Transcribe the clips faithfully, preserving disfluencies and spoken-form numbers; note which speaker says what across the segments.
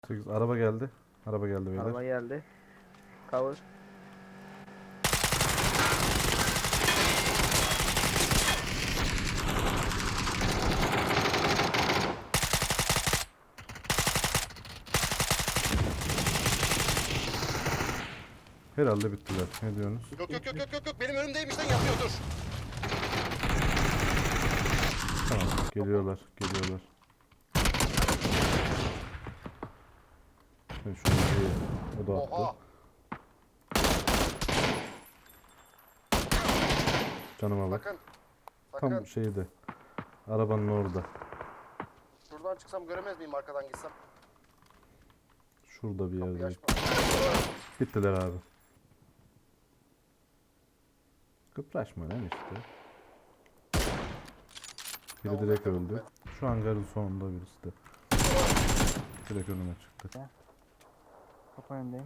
Speaker 1: sekiz araba geldi. Araba geldi beyler.
Speaker 2: Araba geldi. Cover.
Speaker 1: Herhalde bittiler. Ne diyorsunuz?
Speaker 3: Yok yok yok yok yok yok benim önümdeymiş lan yapıyor dur.
Speaker 1: Tamam. Geliyorlar. Geliyorlar. Ben şunu bir- O da attı.
Speaker 3: Oha.
Speaker 1: Canıma bak.
Speaker 3: Sakın. Sakın.
Speaker 1: Tam şeyde. Arabanın orada.
Speaker 3: Şuradan çıksam göremez miyim arkadan gitsem?
Speaker 1: Şurada bir
Speaker 3: Kapıyı
Speaker 1: yerde.
Speaker 3: açma.
Speaker 1: Bittiler abi. Kıpraşma lan işte. Biri
Speaker 3: Tamam,
Speaker 1: direkt
Speaker 3: ben de
Speaker 1: öldü. Şu hangarın sonunda birisi de. Direkt önüme çıktı.
Speaker 2: Kapı önündeyim.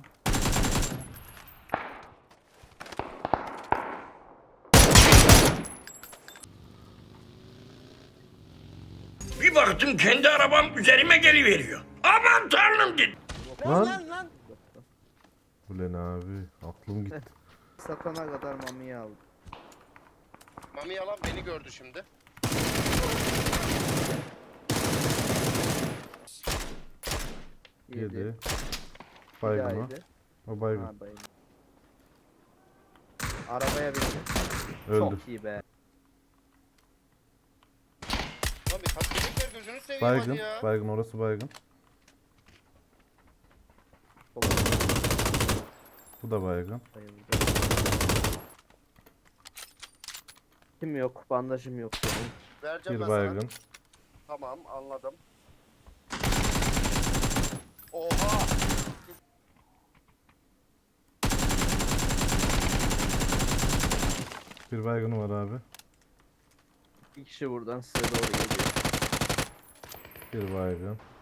Speaker 4: Bir baktım kendi arabam üzerime geliveriyor. Aman tanrım dedim.
Speaker 1: Lan!
Speaker 3: Lan lan.
Speaker 1: Ulan abi aklım gitti.
Speaker 2: Satana kadar mamiyi aldım.
Speaker 3: Mami yalan beni gördü şimdi.
Speaker 2: Yedi.
Speaker 1: Yedi.
Speaker 2: Bir daha
Speaker 1: Baygın o.
Speaker 2: yedi.
Speaker 1: O baygın.
Speaker 2: Ha, bayıldı. Arabaya bindi.
Speaker 1: Öldü.
Speaker 2: Çok iyi be.
Speaker 3: Lan bir tatlıcık ver gözünü seveyim
Speaker 1: Baygın.
Speaker 3: hadi ya.
Speaker 1: Baygın orası baygın. Bu da baygın.
Speaker 2: Bayıldı. Kim yok? Bandajım yok benim.
Speaker 3: Vereceğim
Speaker 1: Bir
Speaker 3: ben sana.
Speaker 1: baygın.
Speaker 3: Tamam anladım. Oha.
Speaker 1: Bir baygını var abi.
Speaker 2: Bir kişi buradan size doğru geliyor.
Speaker 1: Bir baygın.